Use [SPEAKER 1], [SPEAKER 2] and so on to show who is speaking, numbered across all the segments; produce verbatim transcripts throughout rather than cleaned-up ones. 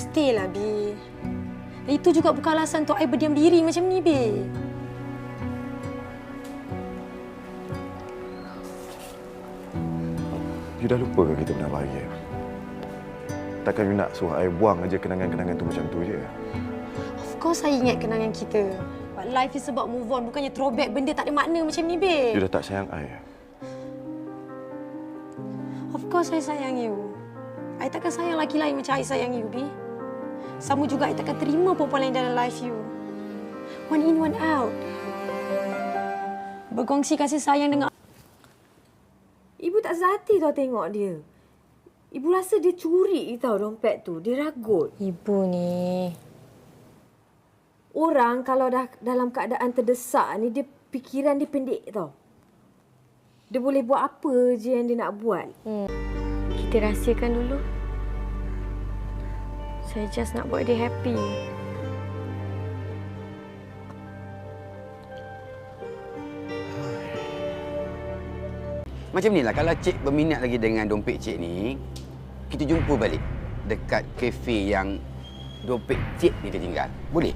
[SPEAKER 1] Mestilah, Bi. Itu juga bukan alasan untuk I berdiam diri macam ni, Bi.
[SPEAKER 2] You dah lupa ke kita pernah bahagia? Takkan you nak suruh I buang aja kenangan-kenangan tu macam tu je?
[SPEAKER 1] Of course, I ingat kenangan kita. But life is about move on, bukannya throwback benda tak ada makna macam ni, Bi.
[SPEAKER 2] You dah tak sayang I?
[SPEAKER 1] Of course, I sayang you. I takkan sayang lelaki lain macam I sayang you, Bi. Sama juga, I takkan terima perempuan lain dalam life you. One in, one out. Berkongsi kasih sayang dengan...
[SPEAKER 3] Ibu tak sehati tau tengok dia. Ibu rasa dia curi tau dompet tu. Dia ragut.
[SPEAKER 1] Ibu ni...
[SPEAKER 3] Orang kalau dah dalam keadaan terdesak ni, dia fikiran dia pendek tau. Dia boleh buat apa je yang dia nak buat.
[SPEAKER 1] Hmm. Kita rahsiakan dulu. Saya just nak buat dia happy.
[SPEAKER 4] Macam ni lah, kalau Cik berminat lagi dengan dompet Cik ni, kita jumpa balik dekat kafe yang dompet Cik ni tertinggal. Boleh?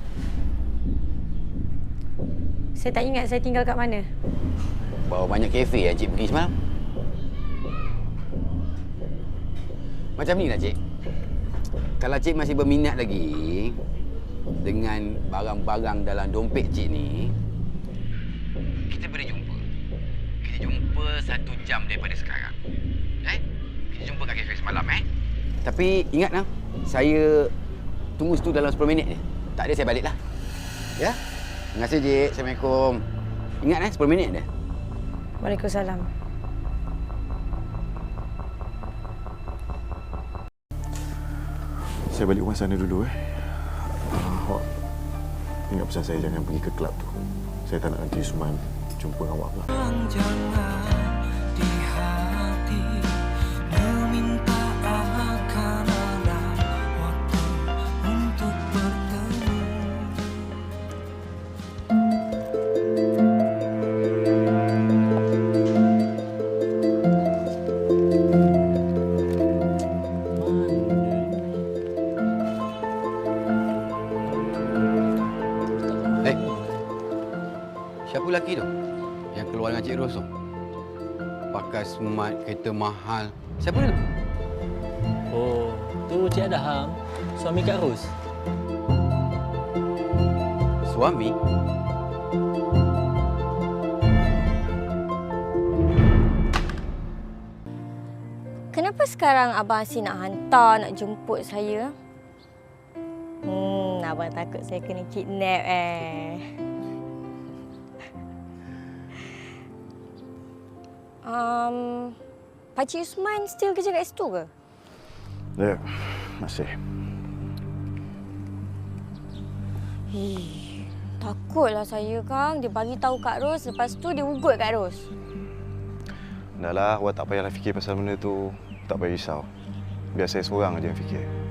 [SPEAKER 1] Saya tak ingat saya tinggal kat mana.
[SPEAKER 4] Bawa banyak kafe yang Cik pergi semalam. Macam ni lah, Cik. Kalau Cik masih berminat lagi dengan barang-barang dalam dompet Cik ni, kita boleh jumpa. Kita jumpa satu jam daripada sekarang. Eh? Kita jumpa kat kafe semalam, eh? Tapi ingat lah, saya tunggu situ dalam sepuluh minit je. Tak ada, saya balik lah. Ya? Terima kasih, Cik. Assalamualaikum. Ingat, eh? sepuluh minit je.
[SPEAKER 1] Waalaikumsalam.
[SPEAKER 2] Saya balik rumah sana dulu, eh. Uh, awak ingat pesan saya jangan pergi ke kelab tu. Saya tak nak nanti Usman jumpa dengan awak pula.
[SPEAKER 5] Jangan di hati meminta akan ada waktu untuk bertemu.
[SPEAKER 4] Eh, siapa lelaki tu yang keluar dengan Cik Ros tu? Pakai smart, kereta mahal. Siapa dia?
[SPEAKER 6] Oh, tu Cik Adham, suami Kak Ros.
[SPEAKER 4] Suami?
[SPEAKER 7] Kenapa sekarang Abang Asyik nak hantar, nak jemput saya? Hmm, Abang takut saya kena kidnap eh. Um, Pakcik Usman still kerja kat situ ke?
[SPEAKER 2] Ya, masih.
[SPEAKER 7] Ih, takutlah saya, Kang. Dia bagi tahu Kak Ros, lepas tu dia ugut Kak Ros.
[SPEAKER 2] Dah lah, awak tak payahlah fikir pasal benda tu. Tak payah risau. Biar saya seorang aja yang fikir.